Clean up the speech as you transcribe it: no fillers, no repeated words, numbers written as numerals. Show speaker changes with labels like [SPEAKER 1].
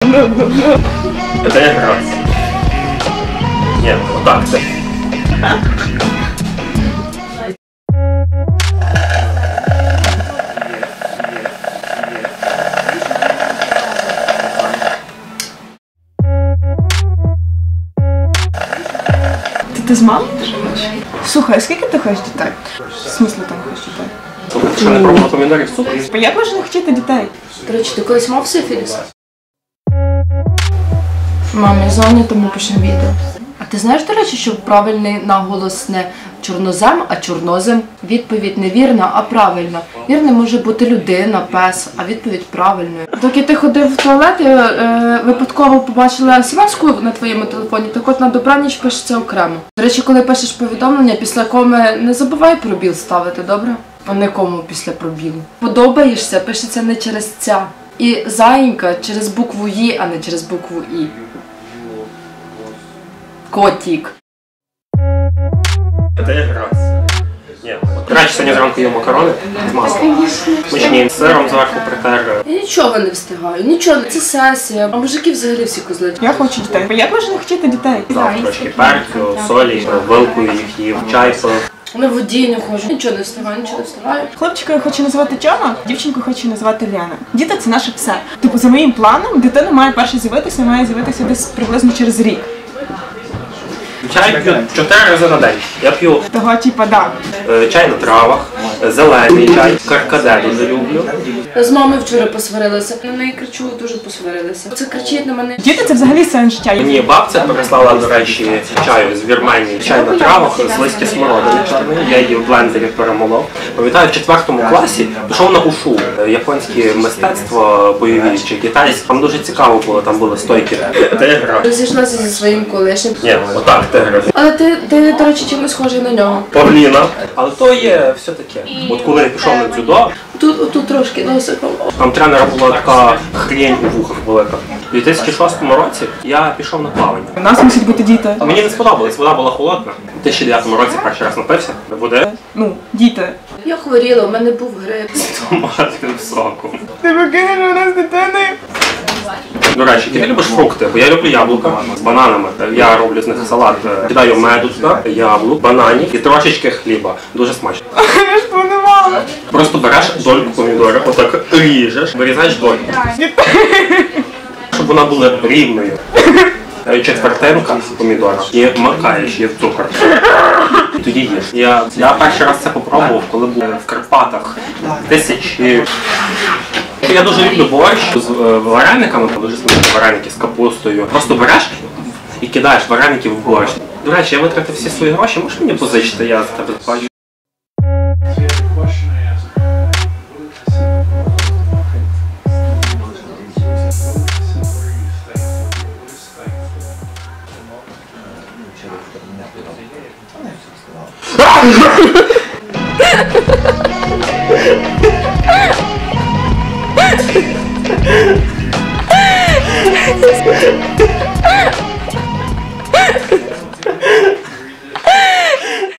[SPEAKER 1] Это я раз. Нет, вот так-то.
[SPEAKER 2] Ти з мамою живеш? Слухай, а скільки ти хочеш дітей? В смислі там хочеш дітей?
[SPEAKER 1] Слухай, ти що не пробувала помідорів суп?
[SPEAKER 2] Як можна не хотіти дітей?
[SPEAKER 3] До речі, ти колись мав сифіліс?
[SPEAKER 2] Мам, я зайнята, ми пишемо відео.
[SPEAKER 3] А ти знаєш, до речі, що правильний наголос не чорнозем, а чорнозем? Відповідь не вірна, а правильна. Вірним може бути людина, пес, а відповідь правильною. Доки ти ходив в туалет, я випадково побачила смс-ку на твоєму телефоні, так от на добраніч пишеться окремо. До речі, коли пишеш повідомлення, після коми не забувай пробіл ставити, добре? А не кому після пробілу. Подобаєшся, пишеться не через ця. І заїнька через букву «І», а не через букву «І». Котик.
[SPEAKER 1] Это я раз. Нет. Краще сьогодні зранку їв макарони з маслом. Смачні, з сиром зверху притер.
[SPEAKER 3] Я нічого не встигаю, нічого, це сесія. А мужики взагалі всі козли.
[SPEAKER 2] Я хочу дітей. Як можна не хотіти дітей?
[SPEAKER 1] Дав трошки перцю, солі, вилкою їх їв, чай пив.
[SPEAKER 3] На воді не ходжу, нічого не встигаю, нічого не встигаю.
[SPEAKER 2] Хлопчика я хочу назвати Тьома, дівчинку хочу назвати Лена. Діти – це наше все. Типу, за моїм планом, дитина має перше з'явитися, має з'явитися десь приблизно через рік.
[SPEAKER 1] Чай п'ю 4 рази на день. Я п'ю
[SPEAKER 2] Того типа, да.
[SPEAKER 1] чай на травах, зелений чай, каркаде дуже люблю.
[SPEAKER 3] З мамою вчора посварилася. На неї кричу, дуже посварилася. Це кричить на мене.
[SPEAKER 2] Діти – це взагалі сенс життя.
[SPEAKER 1] Мені бабця переслала, до речі, чаю з Вірменії. Чай на травах з листя смородини чорної. Я її в блендері перемолов. Пам'ятаю, в 4 класі пішов на ушу. Японське мистецтво, бойові чи китайське. Там дуже цікаво було, там були стойки. Це я грав.
[SPEAKER 3] Розійшлася зі своїм колишнім.
[SPEAKER 1] Ні, отак ти грав.
[SPEAKER 3] Але ти, до речі, чимось схожий на нього.
[SPEAKER 1] Павліна. Але то є все таке. От коли я пішов на дзюдо,
[SPEAKER 3] Тут трошки носиком.
[SPEAKER 1] там тренера була така хрень у вухах велика. У 2006 році я пішов на плавання.
[SPEAKER 2] У нас мусять бути діти.
[SPEAKER 1] Мені не сподобалось, вода була холодна. У 2009 році перший раз напився води.
[SPEAKER 2] Ну, діти.
[SPEAKER 3] Я хворіла, у мене був грип.
[SPEAKER 1] Томатним соком.
[SPEAKER 2] Ти викинеш у нас дитини?
[SPEAKER 1] До речі, ти любиш фрукти, бо я люблю яблука з бананами. Я роблю з них салат. Кидаю меду туди, яблук, бананів і трошечки хліба. Дуже смачно.
[SPEAKER 2] Я ж планувала.
[SPEAKER 1] Просто береш дольку помідора, отак ріжеш, вирізаєш дольку. Щоб вона була рівною. Четвертинка помідора і макаєш її в цукор. І тоді їш. Я перший раз це попробував, коли був в Карпатах. Я дуже люблю борщ з варениками, там дуже смачні вареники з капустою. Просто береш і кидаєш вареники в борщ. До речі, я витратив всі свої гроші, можеш мені позичити, я за тебе плачу.